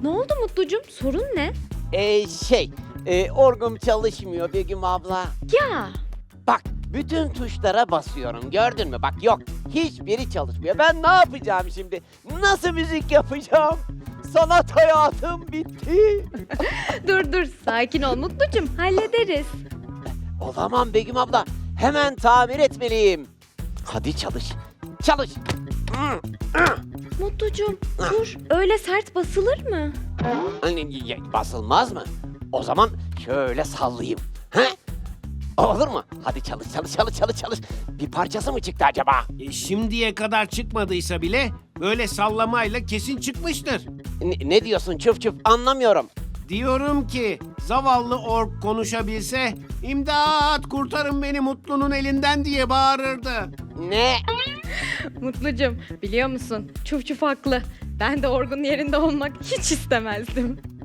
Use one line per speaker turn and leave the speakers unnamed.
Ne oldu Mutlucum? Sorun ne?
Orgum çalışmıyor Begüm abla.
Ya
Bak, bütün tuşlara basıyorum, gördün mü? Bak yok, hiçbiri çalışmıyor. Ben ne yapacağım şimdi? Nasıl müzik yapacağım? Sanat hayatım bitti.
dur sakin ol Mutlucum, hallederiz.
Olamam Begüm abla, hemen tamir etmeliyim. Hadi çalış, çalış.
Mutlucum dur, öyle sert basılır mı?
Basılmaz mı? O zaman şöyle sallayayım. He? Olur mu? Hadi çalış, çalış, çalış, çalış, çalış. Bir parçası mı çıktı acaba?
Şimdiye kadar çıkmadıysa bile böyle sallamayla kesin çıkmıştır.
Ne diyorsun çuf çuf, anlamıyorum.
Diyorum ki zavallı ork konuşabilse imdat kurtarın beni Mutlu'nun elinden diye bağırırdı.
Ne?
Mutlucum biliyor musun? Çuf çuf haklı. Ben de Orgun yerinde olmak hiç istemezdim.